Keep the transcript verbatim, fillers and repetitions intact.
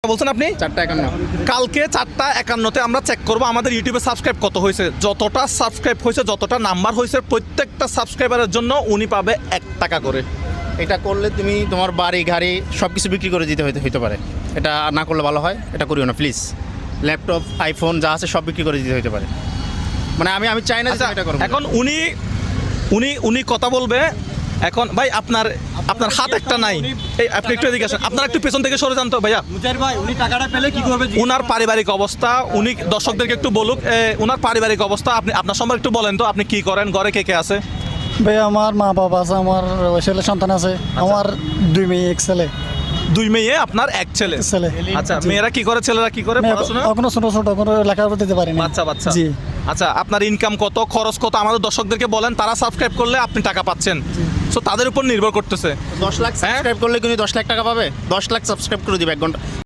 বলছেন আপনি চারটা একান্ন কালকে চারটা একান্নতে আমরা চেক করবো আমাদের ইউটিউবে সাবস্ক্রাইব কত হয়েছে। যতটা সাবস্ক্রাইব হয়েছে, যতটা নাম্বার হয়েছে, প্রত্যেকটা সাবস্ক্রাইবারের জন্য উনি পাবে এক টাকা করে। এটা করলে তুমি তোমার বাড়ি গাড়ি সব কিছু বিক্রি করে দিতে হইতে হইতে পারে। এটা না করলে ভালো হয়, এটা করিও না প্লিজ। ল্যাপটপ আইফোন যা আছে সব বিক্রি করে দিতে হইতে পারে। মানে আমি আমি চাই না যে আচ্ছা, তুমি এটা করবো। এখন উনি উনি উনি কথা বলবে। এখন ভাই আপনার আপনার হাত একটা নাই, এই আপনি একটু এদিকে আসেন, আপনার একটু পেছন থেকে সরে যান তো ভাইয়া। মুজাহির ভাই উনি টাকাটা পেলে কি করবে? উনার পারিবারিক অবস্থা উনি দর্শকদেরকে একটু বলুক। এ, উনার পারিবারিক অবস্থা আপনি আপনার সম্পর্কে একটু বলেন তো, আপনি কি করেন, ঘরে কে কে আছে? ভাই আমার মা বাবা আছে, আমার ছেলে সন্তান আছে, আমার দুই মেয়ে এক ছেলে। দুই মেয়ে, আপনার এক ছেলে। ছেলে আচ্ছা, মেয়েরা কি করে, ছেলেরা কি করে পড়াশোনা? এখনো ছোট ছোট কোনো লেখাপড়া দিতে পারি না। বাচ্চা বাচ্চা। জি। আচ্ছা, আপনার ইনকাম কত, খরচ কত আমাদের দর্শকদেরকে বলেন। তারা সাবস্ক্রাইব করলে আপনি টাকা পাচ্ছেন, সো তাদের উপর নির্ভর করতেছে। দশ লাখ সাবস্ক্রাইব করলে কিন্তু দশ লাখ টাকা পাবে। দশ লাখ সাবস্ক্রাইব করে দিবে এক ঘন্টা